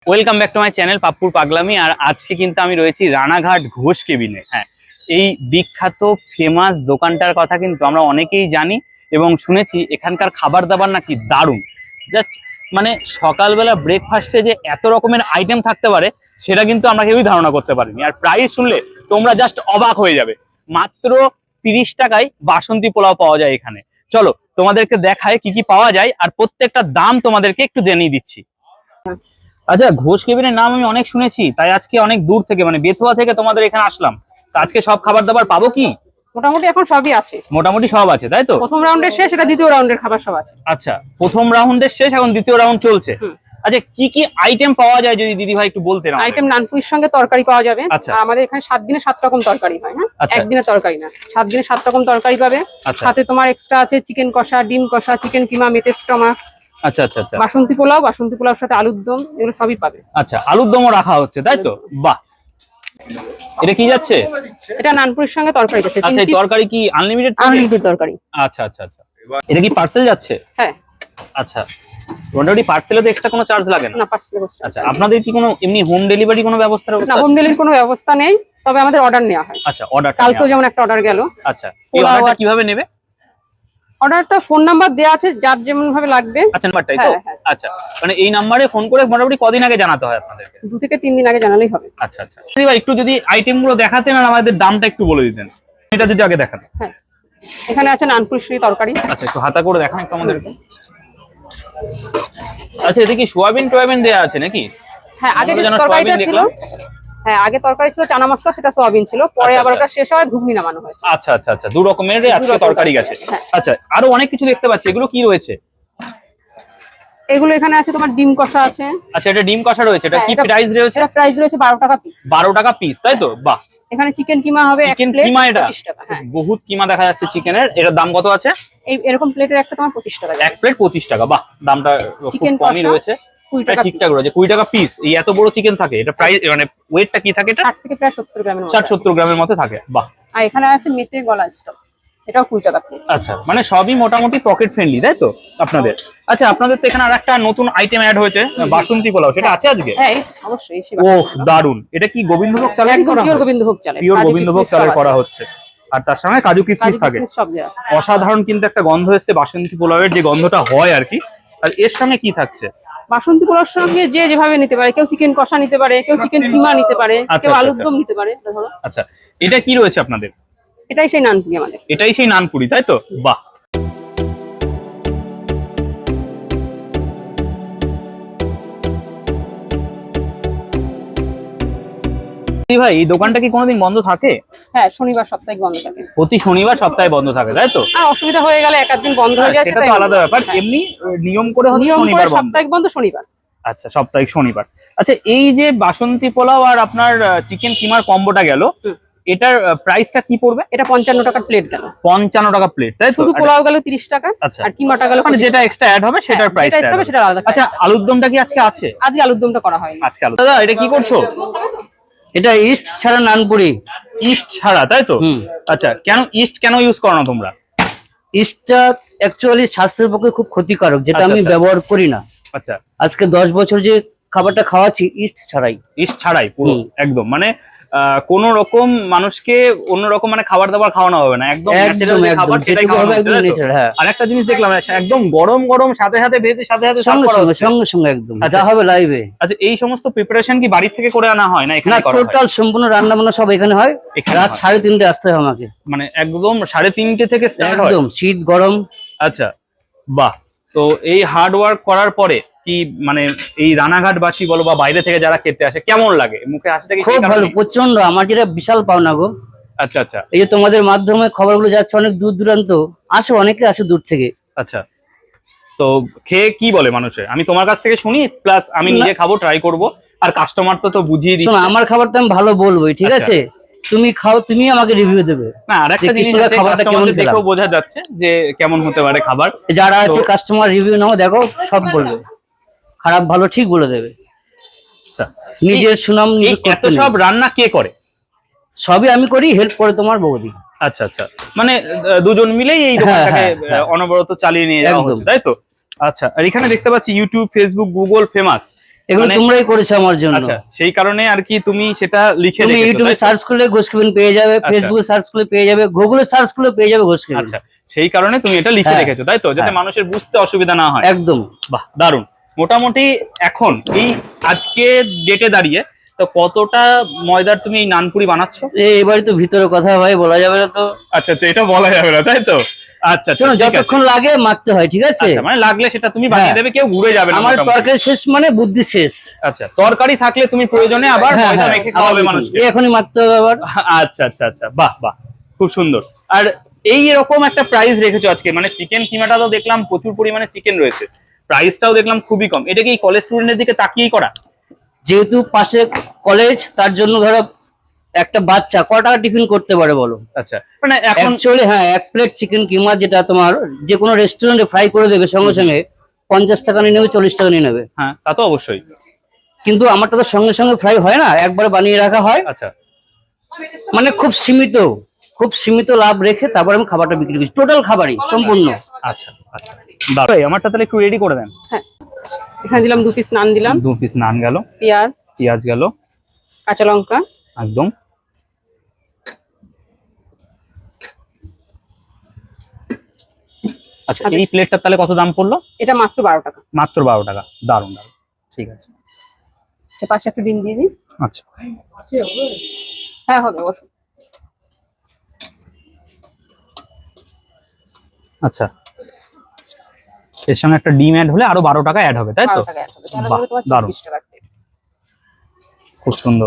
Welcome back to my channel পাপ্পুর পাগলামি। আর আজকে কিন্তু আমি রয়েছি রানাঘাট ঘোষ কেবিনে। হ্যাঁ, এই বিখ্যাত ফেমাস দোকানটার কথা কিন্তু আমরা অনেকেই জানি এবং শুনেছি। এখানকার খাবার দাবার নাকি দারুণ। জাস্ট মানে সকালবেলা ব্রেকফাস্টে যে এত রকমের আইটেম থাকতে পারে সেটা কিন্তু আমরা কেউই ধারণা করতে পারিনি। আর প্রাইস শুনলে তোমরা জাস্ট অবাক হয়ে যাবে। মাত্র 30 টাকায় বাসন্তী পোলাও পাওয়া যায় এখানে। চলো তোমাদেরকে দেখায় কি কি পাওয়া যায় আর প্রত্যেকটা দাম তোমাদেরকে একটু জানিয়ে দিচ্ছি। আচ্ছা, ঘোষ কেবিনের নাম আমি অনেক শুনেছি, তাই আজকে অনেক দূর থেকে মানে বেথুয়া থেকে তোমাদের এখানে আসলাম। তো আজকে সব খাবার দাবার পাবো কি? মোটামুটি এখন সবই আছে। মোটামুটি সব আছে তাই তো? প্রথম রাউন্ডের শেষ, এটা দ্বিতীয় রাউন্ডের খাবার সব আছে। আচ্ছা, প্রথম রাউন্ডের শেষ, এখন দ্বিতীয় রাউন্ড চলছে। আচ্ছা, কি কি আইটেম পাওয়া যায় যদি দিদি ভাই একটু বলতেন। আইটেম নানপুরির সঙ্গে তরকারি পাওয়া যাবে। আচ্ছা। আর আমাদের এখানে 7 দিনে 7 রকম তরকারি হয়। হ্যাঁ, আচ্ছা। একদিনে তরকারি না, 7 দিনে 7 রকম তরকারি পাবে। আচ্ছা। সাথে তোমার এক্সট্রা আছে চিকেন কষা, ডিম কষা, চিকেন কিমা, মেথি স্টমাক। আচ্ছা আচ্ছা আচ্ছা। বাসন্তী পোলাও সাথে আলুর দম, এগুলো সবই পাবে। আচ্ছা, আলুর দমও রাখা হচ্ছে তাই তো? বাহ, এটা কি যাচ্ছে? এটা নানপুরির সঙ্গে তরকারি যাচ্ছে। আচ্ছা, এই তরকারি কি আনলিমিটেড? আনলিমিটেড তরকারি। আচ্ছা আচ্ছা আচ্ছা। এটা কি পার্সেল যাচ্ছে? হ্যাঁ। আচ্ছা, মোটামুটি পার্সেলে তো এক্সট্রা কোনো চার্জ লাগে না? না, পার্সেলে বসে। আচ্ছা, আপনাদের কি কোনো এমনি হোম ডেলিভারি কোনো ব্যবস্থা আছে? না, হোম ডেলিভারির কোনো ব্যবস্থা নেই, তবে আমাদের অর্ডার নেওয়া হয়। আচ্ছা, অর্ডার কালকেও যেমন একটা অর্ডার গেল। আচ্ছা, এই অর্ডারটা কিভাবে নেবে? অর্ডারটা ফোন নাম্বার দেওয়া আছে, যার যেমন ভাবে লাগবে। আচ্ছা, নাম্বারটাই তো? আচ্ছা, মানে এই নাম্বারে ফোন করে মোটামুটি কদিন আগে জানাতে হয় আপনাদেরকে? 2 থেকে 3 দিন আগে জানালেই হবে। আচ্ছা আচ্ছা। দিদি ভাই একটু যদি আইটেমগুলো দেখাতেন আর আমাদের দামটা একটু বলে দিতেন, এটা যদি আগে দেখান। হ্যাঁ, এখানে আছে নানপুরি তরকারি। আচ্ছা, একটু হাতা করে দেখান একটু আমাদেরকে। আচ্ছা, এটা কি সোয়াবিন টোয়াবিন দেয়া আছে নাকি? হ্যাঁ, আগে যে তরকারিটা ছিল, হ্যাঁ আগে তরকারি ছিল চানা মশলা, সেটা সোয়াবিন ছিল। পরে আবার ওটা শেষ হয় ঘুগনি নামানো হয়েছে। আচ্ছা আচ্ছা আচ্ছা, দু রকমের আজকে তরকারি গেছে। আচ্ছা, আরো অনেক কিছু দেখতে পাচ্ছি, এগুলো কি রয়েছে? এগুলো এখানে আছে তোমার ডিম কষা আছে। আচ্ছা, এটা ডিম কষা রয়েছে। এটা কি প্রাইস রয়েছে? এটা প্রাইস রয়েছে 12 টাকা পিস। 12 টাকা পিস তাই তো? বাহ। এখানে চিকেন কিমা হবে, চিকেন কিমা, এটা 25 টাকা। হ্যাঁ, বহুত কিমা দেখা যাচ্ছে চিকেনের। এটার দাম কত আছে? এই এরকম প্লেটের একটা তোমার 25 টাকা। এক প্লেট 25 টাকা। বাহ, দামটা খুব কমই রয়েছে। 20 টাকা ঠিকঠাক রয়েছে। 20 টাকা পিস। এই এত বড় চিকেন থাকে? এটা প্রাইস মানে ওয়েটটা কি থাকে? এটা 60 থেকে প্রায় 70 গ্রামের মতো। 60-70 গ্রামের মতো থাকে। বাহ। আর এখানে আছে মেথি গলা স্টক, এটাও 20 টাকা প্লেট। আচ্ছা, মানে সবই মোটামুটি পকেট ফ্রেন্ডলি তাই তো আপনাদের? আচ্ছা, আপনাদের তো এখানে আরেকটা নতুন আইটেম অ্যাড হয়েছে, বাসন্তী পোলাও, সেটা আছে আজকে? হ্যাঁ, অবশ্যই। ওহ, দারুন। এটা কি গোবিন্দভোগ চালের করা? পিওর গোবিন্দভোগ চালের। পিওর গোবিন্দভোগ চালের করা হচ্ছে। আর তার সঙ্গে কাজু কিশমিশ থাকে। অসাধারণ কিন্তু একটা গন্ধ এসছে বাসন্তী পোলাওয়ের, যে গন্ধটা হয় আর কি। আর এর সঙ্গে কি থাকছে? বাসন্তী পোলাওর সঙ্গে যে যেভাবে নিতে পারে, কেউ চিকেন কষা নিতে পারে, কেউ চিকেন কিমা নিতে পারে, কেউ আলুর দম নিতে পারে। ধরো, আচ্ছা, এটা কি রয়েছে আপনাদের? এটাই সেই নানপুরি আমাদের। এটাই সেই নানপুরি তাই তো? বাহ। ভাই, এই দোকানটা কি কোনোদিন বন্ধ থাকে? হ্যাঁ, শনিবার সাপ্তাহিক বন্ধ থাকে। প্রতি শনিবার সপ্তাহে বন্ধ থাকে তাই তো? আর অসুবিধা হয়ে গেলে এক দিন বন্ধ হয়ে যায়, সেটা তো আলাদা ব্যাপার। এমনি নিয়ম করে হচ্ছে শনিবার বন্ধ। সাপ্তাহিক বন্ধ শনিবার। আচ্ছা, সাপ্তাহিক শনিবার। আচ্ছা, এই যে বাসন্তী পোলাও আর আপনার চিকেন কিমার কম্বোটা গেল, এটার প্রাইসটা কি পড়বে? এটা 55 টাকার প্লেট গেল। 55 টাকা প্লেট তাই তো? শুধু পোলাও গেল 30 টাকা। আচ্ছা, আর কিমাটা গেল মানে যেটা এক্সট্রা অ্যাড হবে সেটার প্রাইস হবে, সেটা আলাদা। আচ্ছা, আলুর দমটা কি আজকে আছে? আজকে আলুর দমটা করা হয়নি আজকে। দাদা, এটা কি করছো? এটা ইস্ট ছাড়া নানপুরি। ইস্ট ছাড়া তাই তো? আচ্ছা, কেন ইস্ট কেন ইউজ করো না তোমরা? ইস্টটা অ্যাকচুয়ালি স্বাস্থ্যের পক্ষে খুব ক্ষতিকারক, যেটা আমি ব্যবহার করি না। আচ্ছা, আজকে 10 বছর যে খাবারটা খাওয়াচ্ছি ইস্ট ছাড়াই। ইস্ট ছাড়াই পুরো একদম, মানে কোন রকম মানুষকে অন্যরকম মানে খাবার দাবার খাওয়ানো হবে না, একদম ন্যাচারাল খাবার সেটাই খাওয়ানো হবে। আর একটা জিনিস দেখলাম, একদম গরম গরম সাথে সাথে ভেজে সাথে সাথে সঙ্গে সঙ্গে একদম যা হবে লাইভে। আচ্ছা, এই সমস্ত প্রিপারেশন কি বাড়ি থেকে করে আনা হয় না এখানে করা হয়? টোটাল সম্পূর্ণ রান্না বান্না সব এখানে হয়। রাত 3:30 আসতে হয় আমাকে, মানে একদম 3:30 থেকে স্টার্ট হয়? একদম শীত গরম। আচ্ছা, বাহ। তো এই হার্ড ওয়ার্ক করার পরে কি মানে এই রানাঘাটবাসী বলো বা বাইরে থেকে যারা খেতে আসে কেমন লাগে? মুখে হাসিটা কি? খুব ভালো, প্রচন্ড। আমার যেটা বিশাল পাওনা গো। আচ্ছা আচ্ছা। এই যে তোমাদের মাধ্যমে খবরগুলো যাচ্ছে অনেক দূর দূরান্ত, আসে অনেকে আসে দূর থেকে। আচ্ছা, তো খেয়ে কি বলে মানুষে? আমি তোমার কাছ থেকে শুনি, প্লাস আমি নিজে খাবো, ট্রাই করব। আর কাস্টমার তো বুঝিয়ে দিচ্ছি। শোনো, আমার খাবার তো আমি ভালো বলবোই, ঠিক আছে? তুমি খাও, তুমি আমাকে রিভিউ দেবে। না, আরেকটা জিনিস খাবারটা কেমন দেখেও বোঝা যাচ্ছে যে কেমন হতে পারে খাবার। যারা আছে কাস্টমার রিভিউ নাও, দেখো সব বলবে, খারাপ ভালো ঠিক বলে দেবে। নিজের সুনাম এত সব রান্না কে করে? সবই আমি করি, হেল্প করে তোমার বৌদি। আচ্ছা আচ্ছা, মানে দুজন মিলেই এই দোকানটাকে অনবরত চালিয়ে নিয়ে যাওয়া হচ্ছে তাই তো? আচ্ছা, আর এখানে দেখতে পাচ্ছি ইউটিউব, ফেসবুক, গুগল ফেমাস। এগুলো মানে- তোমরাই করেছো আমার জন্য। আচ্ছা, সেই কারণে আর কি তুমি সেটা লিখে তুমি রেখেছো, ইউটিউবে তাই তো? সার্চ করলে ঘোষ কেবিন পেয়ে যাবে, আচ্ছা। ফেসবুকে সার্চ করলে পেয়ে যাবে, গুগলে সার্চ করলে পেয়ে যাবে ঘোষ কেবিন। আচ্ছা, সেই কারণে তুমি এটা লিখে হ্যাঁ, রেখেছো, তাই তো, যাতে হ্যাঁ। মানুষের বুঝতে অসুবিধা না হয়। একদম। বাহ, দারুণ। মোটামুটি এখন এই আজকে ডেটে দাঁড়িয়ে তো কতটা ময়দার তুমি এই নানপুরি বানাচ্ছ? এবারে তো ভিতরে কথা ভাই বলা যাবে না তো। আচ্ছা আচ্ছা, এটা বলা যাবে না, তাই তো? আচ্ছা আচ্ছা, শোনো, ঠিক আছে। যতক্ষণ লাগে মাখতে হয়, ঠিক আছে? আচ্ছা, মানে লাগলে সেটা তুমি বানিয়ে হ্যাঁ। দেবে, কেউ ঘুরে যাবে না আমার মোটামুটি। তরকারি শেষ মানে বুদ্ধি শেষ। আচ্ছা, তরকারি থাকলে তুমি প্রয়োজনে আবার হ্যাঁ, ময়দা হ্যাঁ, মেখে খাওয়াবে আবার মানুষকে। এখনই মাখতে হবে আবার। আচ্ছা আচ্ছা আচ্ছা, বাহ বাহ, খুব সুন্দর। আর এই এরকম একটা প্রাইস রেখেছো আজকে, মানে চিকেন কিমাটা তো দেখলাম প্রচুর পরিমাণে চিকেন রয়েছে, প্রাইসটাও দেখলাম খুবই কম। এটা কি কলেজ স্টুডেন্টের দিকে তাকিয়েই করা? যেহেতু পাশে কলেজ, তার জন্য ধরো একটা বাচ্চা ক টাকা টিফিন করতে পারে বলো? আচ্ছা, মানে এখন অ্যাকচুয়ালি হ্যাঁ, এক প্লেট চিকেন কিমা যেটা তোমার যে কোনো রেস্টুরেন্টে ফ্রাই করে দেবে সঙ্গে সঙ্গে 50 টাকা নিয়ে নেবে, 40 টাকা নিয়ে নেবে। হ্যাঁ, তা তো অবশ্যই। কিন্তু আমারটা তো সঙ্গে সঙ্গে ফ্রাই হয় না, একবারে বানিয়ে রাখা হয়। আচ্ছা মানে খুব সীমিত লাভ রেখে তারপর আমি খাবারটা বিক্রি করছি, টোটাল খাবারই সম্পূর্ণ। আচ্ছা আচ্ছা, দাঁড়াই আমারটা তাহলে একটু রেডি করে দেন। হ্যাঁ, এখানে দিলাম 2 পিস নান, দিলাম 2 পিস নান গেল, পেঁয়াজ, পেঁয়াজ গেল, কাঁচা লঙ্কা, একদম। আচ্ছা, এই প্লেটটা তাহলে কত দাম পড়লো? এটা মাত্র 12 টাকা। মাত্র 12 টাকা, দারুণ দারুণ, ঠিক আছে। পাশে একটা ডিম দিয়ে দিই। আচ্ছা, হ্যাঁ, হবে অবশ্যই। আচ্ছা, এর সঙ্গে একটা ডিম অ্যাড হলে আরো 12 টাকা অ্যাড হবে, তাই তো? 12 টাকা অ্যাড হবে, তাহলে বাহ, হবে তোমার দারুণ। 24 টাকা প্লেট। খুব সুন্দর।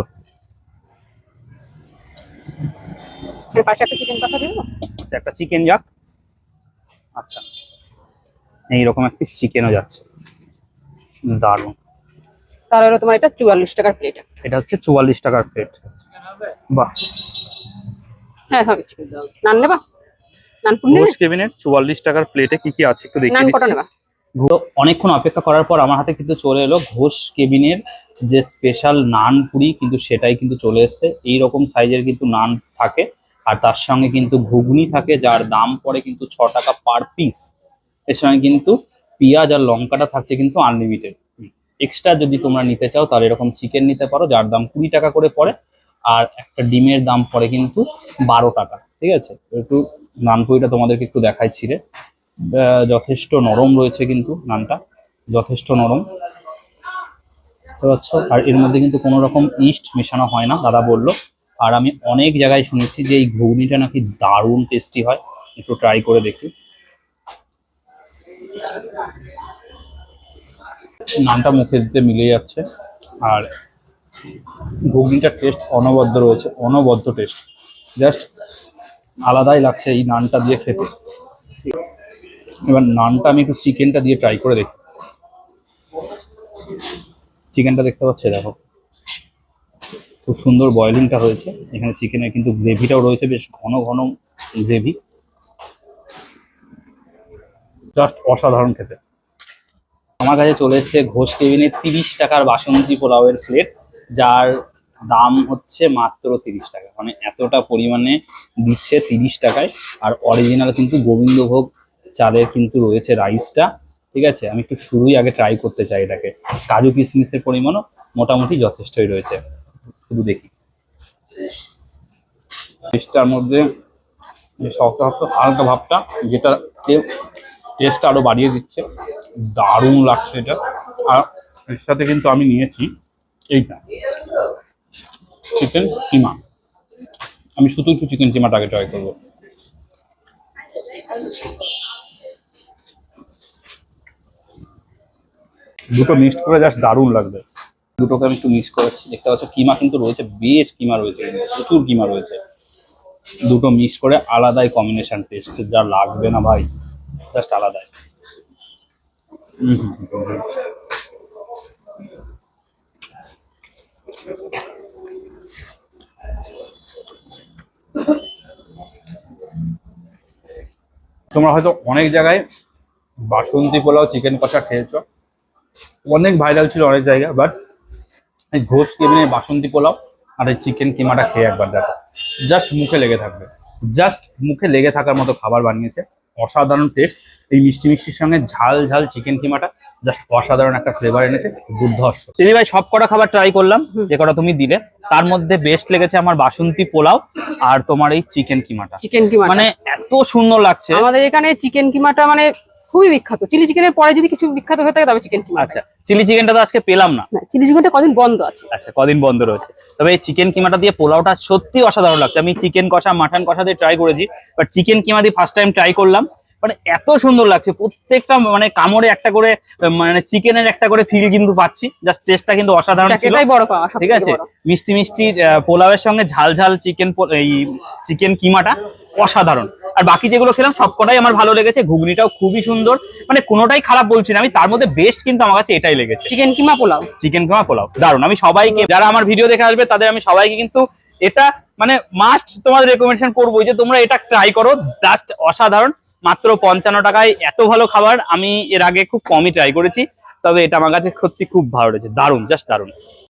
এর পাশে একটা চিকেন কষা দিব। আচ্ছা, একটা চিকেন যাক। আচ্ছা, এইরকম এক পিস চিকেনও যাচ্ছে, দারুণ। তাহলে হলো তোমার এটা 44 টাকার প্লেট। এটা হচ্ছে 44 টাকার প্লেট। বাহ, হ্যাঁ, হবে। নান নেবা? নান পুরি নেবে? ঘোষ কেবিনের 44 টাকার প্লেটে কি কি আছে একটু নান দেখিয়ে কটা দিচ্ছি। নেবা? তো অনেকক্ষণ অপেক্ষা করার পর আমার হাতে কিন্তু চলে এলো ঘোষ কেবিনের যে স্পেশাল নান পুরি, কিন্তু সেটাই কিন্তু চলে এসেছে। এইরকম সাইজের কিন্তু নান থাকে, আর তার সঙ্গে কিন্তু ঘুগনি থাকে, যার দাম পড়ে কিন্তু 6 টাকা পার পিস। এর সঙ্গে কিন্তু পেঁয়াজ আর লঙ্কাটা থাকছে কিন্তু আনলিমিটেড। এক্সট্রা যদি তোমরা নিতে চাও তাহলে এরকম চিকেন নিতে পারো, যার দাম 20 টাকা করে পড়ে, আর একটা ডিমের দাম পড়ে কিন্তু 12 টাকা। ঠিক আছে, একটু নান পুরিটা তোমাদেরকে একটু দেখাই ছিঁড়ে। যথেষ্ট নরম রয়েছে কিন্তু নানটা, যথেষ্ট নরম, বুঝতে পারছো? আর এর মধ্যে কিন্তু কোনো রকম ইস্ট মেশানো হয় না, দাদা বললো। আর আমি অনেক জায়গায় শুনেছি যে এই ঘুগনিটা নাকি দারুণ টেস্টি হয়, একটু ট্রাই করে দেখি। নানটা মুখে দিতে মিলে যাচ্ছে, আর ঘুগনিটার টেস্ট অনবদ্য রয়েছে, অনবদ্য টেস্ট, জাস্ট আলাদাই লাগছে এই নানটা দিয়ে খেতে। এবার নানটা আমি একটু চিকেনটা দিয়ে ট্রাই করে দেখি। চিকেনটা দেখতে পাচ্ছে, দেখো খুব সুন্দর বয়েলিংটা হয়েছে এখানে। চিকেনের কিন্তু গ্রেভিটাও রয়েছে, বেশ ঘন ঘন গ্রেভি, জাস্ট অসাধারণ খেতে। আমার কাছে চলে এসেছে ঘোষ কেবিনের 30 টাকার বাসন্তী পোলাওয়ের প্লেট, যার দাম হচ্ছে মাত্র 30 টাকা। মানে এতটা পরিমাণে দিচ্ছে 30 টাকায়। আর অরিজিনাল কিন্তু গোবিন্দভোগ চালের কিন্তু রয়েছে রাইসটা। ঠিক আছে, আমি একটু শুরুই আগে ট্রাই করতে চাই এটাকে। কাজু কিশমিশের পরিমাণও মোটামুটি যথেষ্টই রয়েছে, শুধু দেখি। টেস্টটার মধ্যে শক্ত শক্ত হালকা ভাবটা, যেটা টেস্টটা আরো বাড়িয়ে দিচ্ছে, দারুণ লাগছে এটা। আর এর সাথে কিন্তু আমি নিয়েছি এইটা চিকেন কিমা। আমি শুধু একটু চিকেন কিমাটাকে ট্রাই করবো। দুটো মিক্সড করে জাস্ট দারুণ লাগবে। দুটোকে আমি একটু মিক্স করেছি, দেখতে পাচ্ছ কিমা কিন্তু রয়েছে, বেশ কিমা রয়েছে, প্রচুর কিমা রয়েছে। দুটো মিক্স করে আলাদাই কম্বিনেশন টেস্ট, যা লাগবে না ভাই, জাস্ট আলাদাই। তোমরা হয়তো অনেক জায়গায় বাসন্তী পোলাও চিকেন কষা খেয়েছো, অনেক ভাইরাল ছিল অনেক জায়গায়, বাট এই ঘোষ কেবিনের বাসন্তী পোলাও আর এই চিকেন কিমাটা খেয়ে একবার দেখো, জাস্ট মুখে লেগে থাকবে। জাস্ট মুখে লেগে থাকার মতো খাবার বানিয়েছে। অসাধারণ টেস্ট। এই মিষ্টি মিষ্টির সঙ্গে ঝাল ঝাল চিকেন কিমাটা জাস্ট অসাধারণ একটা ফ্লেভার এনেছে, দুর্ধর্ষ। দিদি ভাই সব কটা খাবার ট্রাই করলাম যে কটা তুমি দিলে, তার মধ্যে বেস্ট লেগেছে আমার বাসন্তী পোলাও আর তোমার এই চিকেন কিমাটা। চিকেন কিমা মানে এত সুন্দর লাগছে। আমাদের এখানে চিকেন কিমাটা মানে খুবই বিখ্যাত। চিলি চিকেনের পরে যদি কিছু বিখ্যাত হয়ে থাকে তবে চিকেন কিমা। আচ্ছা, চিলি চিকেনটা তো আজকে পেলাম না। চিলি চিকেনটা কদিন বন্ধ আছে। আচ্ছা, কদিন বন্ধ রয়েছে। তবে এই চিকেন কিমাটা দিয়ে পোলাওটা সত্যি অসাধারণ লাগছে। আমি চিকেন কষা মাটন কষা দিয়ে ট্রাই করেছি, বাট চিকেন কিমা দিয়ে ফার্স্ট টাইম ট্রাই করলাম। মানে এত সুন্দর লাগছে প্রত্যেকটা, মানে কামড়ে একটা করে মানে চিকেনের একটা করে ফিল কিন্তু পাচ্ছি। জাস্ট টেস্টটা কিন্তু অসাধারণ ছিল। এটাই বড় পাওয়া, ঠিক আছে, মিষ্টি মিষ্টি পোলাওয়ের সঙ্গে ঝাল ঝাল এই চিকেন কিমাটা অসাধারণ। আর বাকি যেগুলো খেলাম সবকটাই আমার ভালো লেগেছে। ঘুগনিটাও খুবই সুন্দর, মানে কোনোটাই খারাপ বলছি না আমি। তার মধ্যে বেস্ট কিন্তু আমার কাছে এটাই লেগেছে, চিকেন কিমা পোলাও। চিকেন কিমা পোলাও দারুণ। আমি সবাইকে, যারা আমার ভিডিও দেখে আসবে তাদের আমি সবাইকে কিন্তু এটা মানে মাস্ট তোমাদের রেকমেন্ডেশন করবো যে তোমরা এটা ট্রাই করো। জাস্ট অসাধারণ। মাত্র 55 টাকায় এত ভালো খাবার আমি এর আগে খুব কমই ট্রাই করেছি, তবে এটা আমার কাছে সত্যি খুব ভালো লেগেছে। দারুণ, জাস্ট দারুণ।